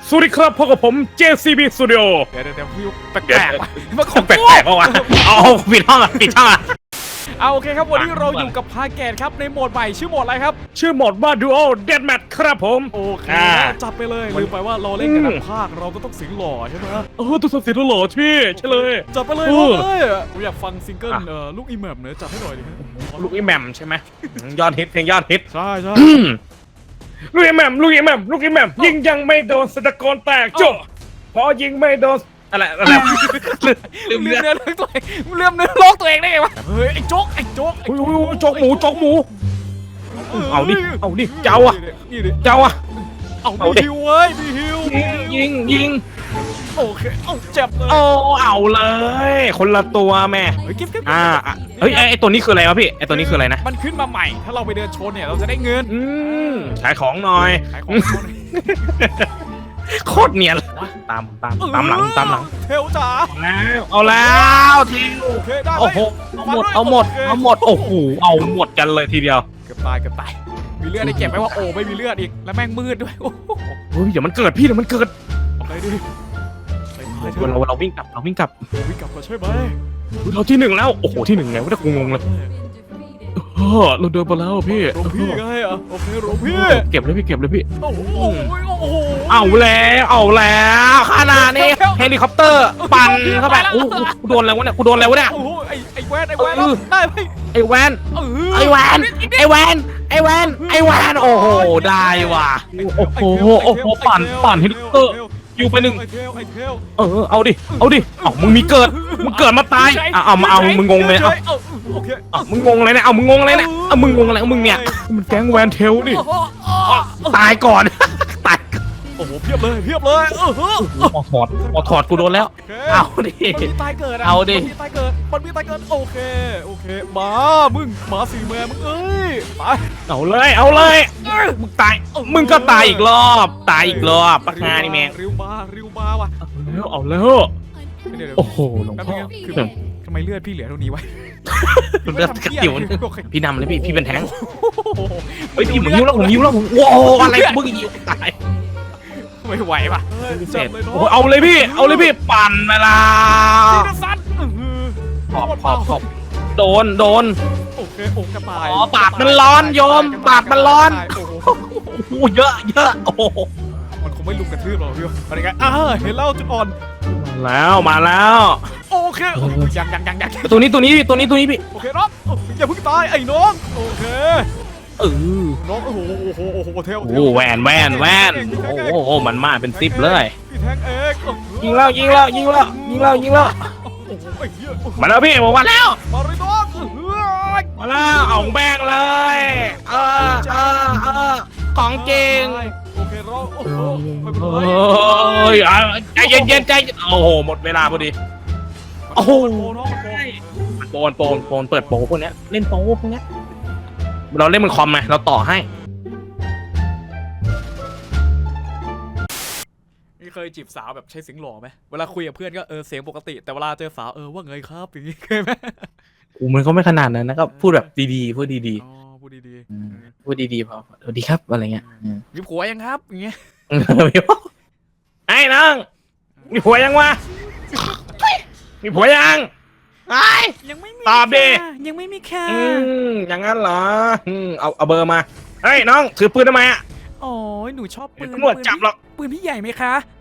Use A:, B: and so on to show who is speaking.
A: สวัสดีครับพบกับผม JCB Studio
B: เดี๋ยวพี่แปลกๆมันของ
A: แปลกๆวะเอาปิดห้องอ่ะปิดห้องอ่ะ
B: เอาโอเคครับวันนี้เราอยู่กับพาแกนครับในโหมดใหม่ชื่อโหมดอะไรครับ
A: ชื่อโหมดว่า Duo Deathmatch ครับผม
B: โอเคจับไปเลยลืมไปว่าเราเล่นกันทั้งภาคเราก็ต้องเสียงหล่อใช่ไหม
A: ตัวสับเสียงหล่อพี่ใช่เลย
B: จับไปเลยผมอยากฟังซิงเกิลลูกอีแมมเนอะจับให้หน่อยดิ
A: ลูกอีแมมใช่ไหมยอดฮิตเพลงยอดฮิต
B: ใช่
A: ลูกอีแมมยิงยังไม่โดนสตะโกนแตกโจ้พอยิงไม่โดนอะไร
B: ลืมเนื้อร้องตัวเองลืมเนื้อร้องตัวเองได้ไงวะเฮ้ยไอ้โจ๊ก
A: โจ๊กหมูเอาดิเจ้าอ่ะ
B: เอามีฮิวเว้ยมีฮิว
A: ยิง
B: โอเคเอาเจ็บเลย
A: เอาเลยคนละตัวแม่
B: เฮ้ย
A: เฮ้ยไอตัวนี้คืออะไรวะพี่ไอตัวนี้คืออะไรนะ
B: มันขึ้นมาใหม่ถ้าเราไปเดินชนเนี่ยเราจะได้เงิน
A: ขายของหน่อย
B: ขายของ
A: โคตรเนียนตามหลัง
B: เทลจ๋า
A: เอาแล้วที
B: โอเคได้
A: โอ้โหเอาหมดโอ้โหเอาหมดกันเลยทีเดียว
B: เกือบตายมีเลือดได้เก็บไหมว่าโอ้ไม่มีเลือดอีกแล้วแม่งมืดด้วยโอ้
A: โหเดี๋ยวมันเกิดพี่เดี๋ยวมันเกิด
B: อะไรดิ
A: เราวิ่งกลับ
B: ก็ใช่ไหม
A: เราที่หนึ่งแล้วโอ้โหที่หนึ่งไงว่าจะงงเลยเราเดินไปแล้วพี่
B: ไงอ่ะโอเคหลวงพี่
A: เก็บเลยพี่
B: โอ้โห
A: เอาแล้วขนาดนี้เฮลิคอปเตอร์ปั่นเข้าไปโอ้กูโดนอะไรวะเนี่ย
B: โอ้โหไอ้แวนได้ไหม
A: ไอ้แวนโอ้โหได้ว่ะโอ้โหปั่นเฮลิคอปเตอร์อยู่ไปหนึ่งเอาดิมึงเกิดมาตายเอามึงงงเลยมึงงงอะไรเนี่ยมึงงงอะไรมึงเนี่ยมันแก๊งแวนเทลดิตายก่อน
B: โอ้โหเพียบเลย
A: ถอดกูโดนแล้วเอาดิ
B: มันมีตายเกิดโอเคมาสี่แม่มึงเอ้ยไป
A: เอาเลยมึงก็ตายอีกรอบปะงานนี่แม่ง
B: ริวมาว่ะ
A: เอาแล้วโอ้โหหลวงพ่อ
B: ทำไมเลือดพี่เหลือเท่านี้วะ
A: เลือดกระติ๋วพี่นำเลยพี่เป็นแท้งเฮ้ยพี่ผมยิ้วแล้วว้าวอะไรมึงยิ้วตาย
B: ไม่ไหวป่ะ
A: เอาเลยพี่ปั่นเวลาขอบโดน
B: โอเคกระต่าย
A: ปากมันร้อนโยมปากมันร้อนโอ้เยอะโอ้
B: มันคงไม่ลุกกระทืบหรอกพี่อะไรกันเห็นแล้วจุดอ่อน
A: มาแล้ว
B: โอเคยัง
A: ตัวนี้พี่
B: โอเคน้องอย่าเพิ่งตายไอ้น้องโอเคน้องโอ้โหเทล
A: แวนโอ้โหมันมาเป็นซิปเลย
B: พี่แทงเอก
A: ยิงแล้วมาแล้วพี่บอกว่าแล้ว
B: มาเลยน้อง
A: มาแล้วเอาแบงเลยของจริง
B: โอเครอ
A: ใจเย็นโอ้โหหมดเวลาพอดีโอ้โหโปนเปิดโปพวกนี้เล่นโปพวกนี้เราเล่นมันคอมไงเราต่อให้
B: เคยจีบสาวแบบใช้เสียงหล่อไหมเวลาคุยกับเพื่อนก็เสียงปกติแต่เวลาเจอสาวว่าไงครับอย่างนี้เคยไหม
A: มันก็ไม่ขนาดนั้นนะก็พูดแบบดีๆพูดดี
B: ๆพูด
A: ดีพอสวัสดีครับอะไรเงี้ย
B: มีผัวยังครับอย่างเงี้ย
A: ไอ้น้องมีผัวยังวะมีผัวยัง
B: ยังไม่มี
A: ตอบดิ
B: ยังไม่มีค่ะ
A: อย่างนั้นเหรอเอาเบอร์มาเฮ้ยน้องถือปืนทำไมอ่ะ
B: โอ้ยหนูชอบปืน
A: ตำรวจจับหรอก
B: ปืนพี่ใหญ่ไหมคะ